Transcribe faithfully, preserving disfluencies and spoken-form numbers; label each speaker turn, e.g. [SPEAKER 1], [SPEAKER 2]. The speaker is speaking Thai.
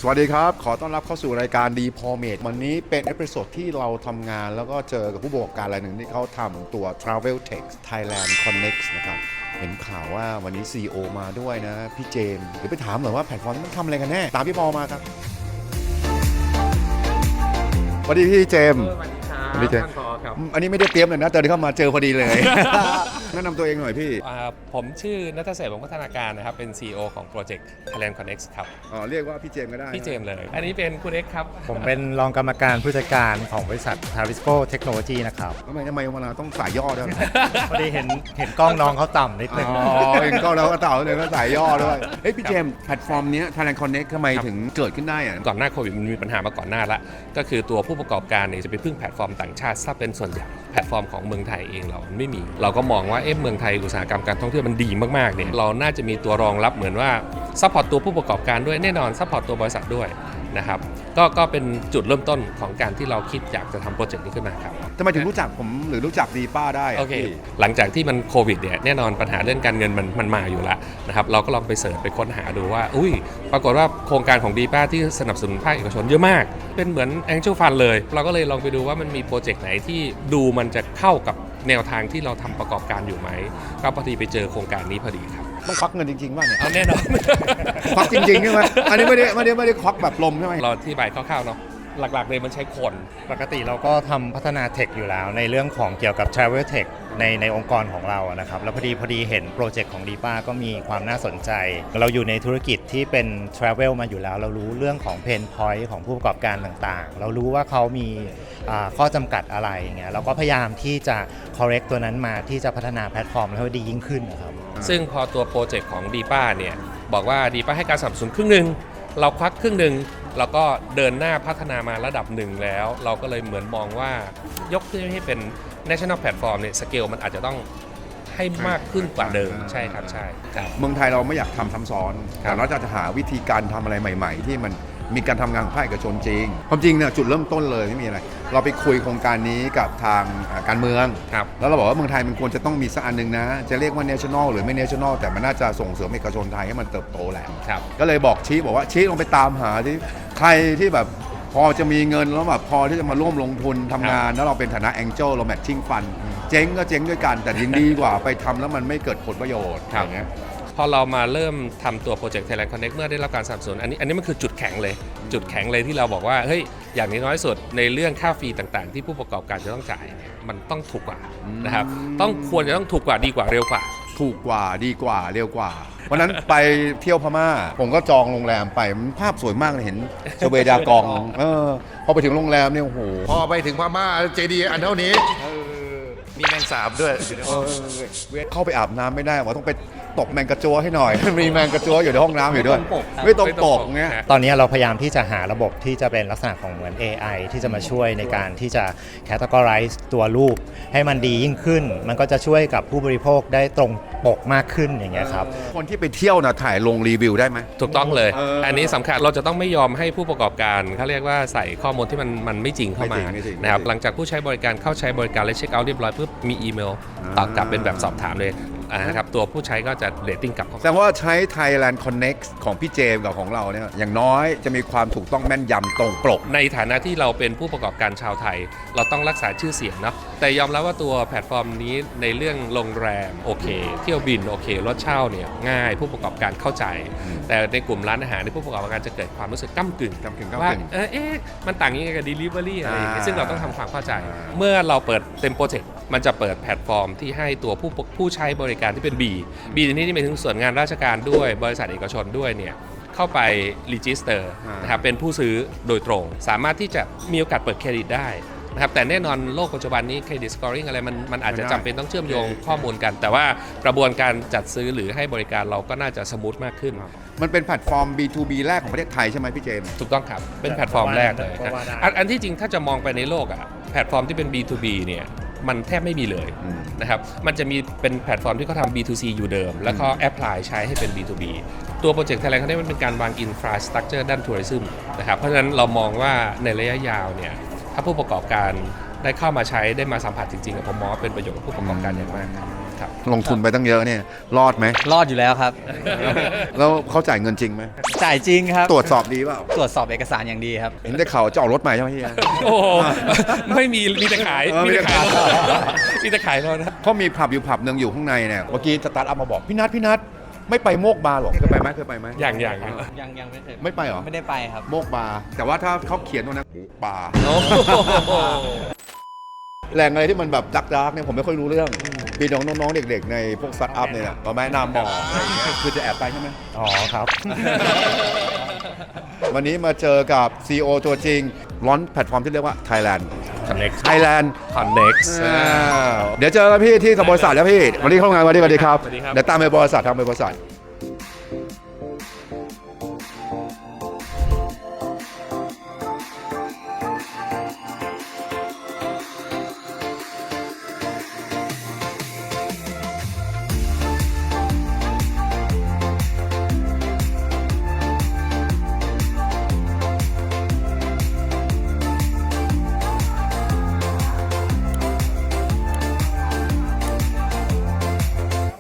[SPEAKER 1] สวัสดีครับขอต้อนรับเข้าสู่รายการดีพอเมดวันนี้เป็นเอพิโซดที่เราทำงานแล้วก็เจอกับผู้ประกอบการรายหนึ่งที่เขาทำตัว Travel Tech Thailand Connect นะครับเห็นข่าวว่าวันนี้ ซี อี โอ มาด้วยนะพี่เจมส์เดี๋ยวไปถามหน่อยว่าแพลตฟอร์มนี้มันทำอะไรกันแน่ตามพี่ปอมาครับสวัสดีพี่เจมส์
[SPEAKER 2] สวัสดีครับท่านผอครับ
[SPEAKER 1] อันนี้ไม่ได้เตรียมเลยนะเจอเข้ามาเจอพอดีเลย แนะนำตัวเองหน่อยพี่
[SPEAKER 2] ผมชื่อณัฐเศรษฐ์วงศ์พัฒนาการนะครับเป็น ซี อี โอ ของโปรเจกต์ Thailand Connect ครับ
[SPEAKER 1] อ๋อเรียกว่าพี่เจมส์ก็ได้
[SPEAKER 2] พี่เจมส์เลย อันนี้เป็นคุณเอ็กครับ
[SPEAKER 3] ผมเป็นรองกรรมการผู้จัดการของบริษัท Tarisco Technology นะครับ
[SPEAKER 1] ทำไมทำไมเวลาต้องสายย่อด้วย
[SPEAKER 3] พอดีเห็นเห็นกล้องน้องเขาต่ำนิดนึง
[SPEAKER 1] อ๋อเห็นกล้องแล้วก็เต่าเลยก็สายย่อด้วยเฮ้ยพี่เจมส์แพลตฟอร์มนี้ Thailand Connect ทำไมถึงเกิดขึ้นได้อะ
[SPEAKER 2] ก่อนหน้าโควิดมันมีปัญหามาก่อนหน้าละก็คือตัวผู้ประกอบการเนี่ยจะไปพึ่งแพลตฟอร์มต่างชาติซะเป็นส่วนใหญ่แพลตฟอร์มของเมืองไทยเองเราไม่มีเราก็มองว่าเอ๊ะเมืองไทยอุตสาหกรรมการท่องเที่ยวมันดีมากๆเนี่ยเราน่าจะมีตัวรองรับเหมือนว่าซัพพอร์ตตัวผู้ประกอบการด้วยแน่นอนซัพพอร์ตตัวบริษัทด้วยนะครับก็ก็เป็นจุดเริ่มต้นของการที่เราคิดอยากจะทำโปรเจกต์นี้ขึ้นมาครับ
[SPEAKER 1] ทำไมถึงรู้จักผมหรือรู้จักดีป้าได้
[SPEAKER 2] โอเคหลังจากที่มันโควิดเนี่ยแน่นอนปัญหาเรื่องการเงินมันมันมาอยู่แล้วนะครับเราก็ลองไปเสิร์ชไปค้นหาดูว่าอุ้ยปรากฏว่าโครงการของดีป้าที่สนับสนุนภาคเอกชนเยอะมากเป็นเหมือน Angel Fund เลยเราก็เลยลองไปดูว่ามันมีโปรเจกต์ไหนที่ดูมันจะเข้ากับแนวทางที่เราทำประกอบการอยู่ไหมก็พอดีไปเจอโครงการนี้พอดีครับ
[SPEAKER 1] ต้องควักเงินจริงๆป่ะเนี่ย
[SPEAKER 2] เอาแน่นอน
[SPEAKER 1] ควักจริงๆใช่ไหมอันนี้ไม่ได้ไม่ได้ไม่ได้ควักแบบลมใช่ไหม
[SPEAKER 2] เราที่ใบคร่าวๆเนาะหลักๆเลยมันใช้คน
[SPEAKER 3] ปกติเราก็ทำพัฒนาเทคอยู่แล้วในเรื่องของเกี่ยวกับ Travel Tech ในในองค์กรของเรานะครับแล้วพอดีพอดีเห็นโปรเจกต์ของดีป้าก็มีความน่าสนใจเราอยู่ในธุรกิจที่เป็น Travel มาอยู่แล้วเรารู้เรื่องของ Pain Point ของผู้ประกอบการต่างๆเรารู้ว่าเขามีข้อจำกัดอะไรเงี้ยเราก็พยายามที่จะ correct ตัวนั้นมาที่จะพัฒนาแพลตฟอร์มให้ดียิ่งขึ้นนะครับ
[SPEAKER 2] ซึ่งพอตัวโปรเจกต์ของดีป้าเนี่ยบอกว่าดีป้าให้การสนับสนุนครึ่งนึงเราควักครึ่งหนึ่งเราก็เดินหน้าพัฒนามาระดับหนึ่งแล้วเราก็เลยเหมือนมองว่ายกขึ้นให้เป็น national platform เนี่ยสเกลมันอาจจะต้องให้มากขึ้นกว่าเดิมใช่ครับใช่ครับ
[SPEAKER 1] เมืองไทยเราไม่อยากทำซ้ำซ้อนแต่เราจะหาวิธีการทำอะไรใหม่ๆที่มันมีการทำงานของภาคเอกชนจริงความจริงเนี่ยจุดเริ่มต้นเลยไม่มีอะไรเราไปคุยโครงการนี้กับทางการเมืองแล้วเราบอกว่าเมืองไทยมันควรจะต้องมีสักอันหนึ่งนะจะเรียกว่า national หรือไม่ national แต่มันน่าจะส่งเสริมเอกชนไทยให้มันเติบโตแหละก็เลยบอกชี้บอกว่าชี้ลงไปตามหาที่ใครที่แบบพอจะมีเงินแล้วแบบพอที่จะมาร่วมลงทุนทำงานแล้วเราเป็นฐานะ Angel เรา Matching Fund เจ๊งก็เจ๊งด้วยกันแต่ยิ่งดีกว่าไปทำแล้วมันไม่เกิดผลประโยชน์อย่างเงี้ย
[SPEAKER 2] พอเรามาเริ่มทำตัวโปรเจกต์ Thailand Connect เมื่อได้รับการสนับสนุนอันนี้อันนี้มันคือจุดแข็งเลยจุดแข็งเลยที่เราบอกว่าเฮ้ยอย่างน้อยสุดในเรื่องค่าฟรีต่างๆที่ผู้ประกอบการจะต้องจ่ายมันต้องถูกกว่านะครับต้องควรจะต้องถูกกว่าดีกว่าเร็วกว่า
[SPEAKER 1] ถูกกว่าดีกว่าเร็วกว่าวันนั้นไปเที่ยวพม่าผมก็จองโรงแรมไปมันภาพสวยมากเลยเห็นชเวดากองเออพอไปถึงโรงแรมเนี่ยโอ้โห
[SPEAKER 4] พอไปถึงพม่าเจดีย์อันเท่านี้มีแมงสาบด้วย
[SPEAKER 1] เข้าไปอาบน้ำไม่ได้ว่าต้องไปตกแมงกระจัวให้หน่อยมีแมงกระจัวอยู่ในห้องน้ำอยู่ด้วยไม่ต้องปกเงี้ย
[SPEAKER 3] ตอนนี้เราพยายามที่จะหาระบบที่จะเป็นลักษณะของเหมือน เอ ไอ ที่จะมาช่วยในการที่จะ categorize ตัวรูปให้มันดียิ่งขึ้นมันก็จะช่วยกับผู้บริโภคได้ตรงปกมากขึ้นอย่างเงี้ยครับ
[SPEAKER 1] คนที่ไปเที่ยวนะถ่ายลงรีวิวได้ไหม
[SPEAKER 2] ถูกต้องเลยอันนี้สำคัญเราจะต้องไม่ยอมให้ผู้ประกอบการเขาเรียกว่าใส่ข้อมูลที่มันมันไม่จริงเข้ามานะครับหลังจากผู้ใช้บริการเข้าใช้บริการและเช็คเอาท์เรียบร้อยปุ๊บมีอีเมลตอบกลับเป็นแบบสอบถามเลยนะครับตัวผู้ใช้ก็จะเรตติ้งกลับ
[SPEAKER 1] แสดงว่าใช้ Thailand Connect ของพี่เจมกับของเราเนี่ยอย่างน้อยจะมีความถูกต้องแม่นยำตรงปก
[SPEAKER 2] ในฐานะที่เราเป็นผู้ประกอบการชาวไทยเราต้องรักษาชื่อเสียงเนาะแต่ยอมรับว่าตัวแพลตฟอร์มนี้ในเรื่องโรงแรมโอเคเที่ยวบินโอเครถเช่าเนี่ยง่ายผู้ประกอบการเข้าใจแต่ในกลุ่มร้านอาหารในผู้ประกอบการจะเกิดความรู้สึกก้ำกึ่งว่าเอ๊ะมันต่างยังไงกับ delivery อะไรอย่างเงี้ยซึ่งเราต้องทำความเข้าใจเมื่อเราเปิดเต็มโปรเจกต์มันจะเปิดแพลตฟอร์มที่ให้ตัวผู้ผู้ใช้บริการที่เป็น B B ในที่นี้หมายถึงส่วนงานราชการด้วยบริษัทเอกชนด้วยเนี่ยเข้าไปรีจิสเตอร์นะครับเป็นผู้ซื้อโดยตรงสามารถที่จะมีโอกาสเปิดเครดิตได้นะครับแต่แน่นอนโลกปัจจุบันนี้เครดิตสกอร์ริงอะไรมันมันอาจจะจำเป็นต้องเชื่อมโยงข้อมูลกันแต่ว่ากระบวนการจัดซื้อหรือให้บริการเราก็น่าจะสมูทมากขึ้น
[SPEAKER 1] มันเป็นแพลตฟอร์ม บี ทู บี แรกของประเทศไทยใช่ไหมพี่เจมส์
[SPEAKER 2] ถูกต้องครับเป็นแพลตฟอร์มแรกเลยอันอันที่จริงถ้าจะมองไปในโลกอะแพลตฟอร์มที่เป็น บี ทู บี เนี่ยมันแทบไม่มีเลยนะครับมันจะมีเป็นแพลตฟอร์มที่เขาทำ บี ทู ซี อยู่เดิมแล้วก็แอพพลายใช้ให้เป็น บี ทู บี ตัวโปรเจกต์ Thailand เขาได้มันเป็นการวางอินฟราสตรัคเจอร์ด้านทัวริซึมนะครับเพราะฉะนั้นเรามองว่าในระยะยาวเนี่ยถ้าผู้ประกอบการได้เข้ามาใช้ได้มาสัมผัสจริงๆผมมองว่าเป็นประโยชน์กับผู้ประกอบการอย่างมากครับครับ
[SPEAKER 1] ลงทุนไปตั้งเยอะเนี่ยรอดไหม
[SPEAKER 5] รอดอยู่แล้วครับ
[SPEAKER 1] แล้วเขาจ่ายเงินจริงไหม
[SPEAKER 5] จ่ายจริงครับ
[SPEAKER 1] ตรวจสอบดีเปล่า
[SPEAKER 5] ตรวจสอบเอกสารอย่างดีครับ
[SPEAKER 1] เห็นได้ข่าวจะออกรถใหม่ใช่ไหมเฮีย
[SPEAKER 2] โอ้โหไม่มีมีแต่ขาย
[SPEAKER 1] เออ
[SPEAKER 2] มีแต่ขาย
[SPEAKER 1] มีแต่ขาย
[SPEAKER 2] มีแต่ขายแล้วนะ
[SPEAKER 1] เขามีผับอยู่ผับหนึ่งอยู่ข้างในเนี่ยเมื่อกี้สตาร์ทอัพมาบอกพี่นัทพี่นัทไม่ไปโมกบาร์หรอกเคยไปไหมเคยไปไหม
[SPEAKER 2] อย่างอย่าง
[SPEAKER 5] ยังยังไม่เคย
[SPEAKER 1] ไม่ไปเหรอ
[SPEAKER 5] ไม่ได้ไปครับ
[SPEAKER 1] โมกบาร์แต่ว่าถ้าเขาเขียนตรงนั้นโอ้บาร์
[SPEAKER 2] โอ้โห
[SPEAKER 1] แหล่งอะไรที่มันแบบดักดักเนี่ยผมไม่ค่อยรู้เรื่องปีน้องน้องๆเด็กๆในพวกสตาร์ทอัพเนี่ยมาแนะนำบอกอะไรอย่างเงี้ยคือจะแอบไปใช่ไหม
[SPEAKER 3] อ๋อครับ
[SPEAKER 1] วันนี้มาเจอกับ ซี อี โอ ตัวจริงร้อนแพลตฟอร์มที่เรียกว่า Thailand
[SPEAKER 2] Connect
[SPEAKER 1] Thailand
[SPEAKER 2] Connect
[SPEAKER 1] อ่าเดี๋ยวเจอกันพี่ที่บริษัทแล้วพี่วันนี้เข้างานวันนี้สวัสดีครับ
[SPEAKER 2] สวัสดีครับ
[SPEAKER 1] เดี๋ยวตามไปบริษัททำไปบริษัท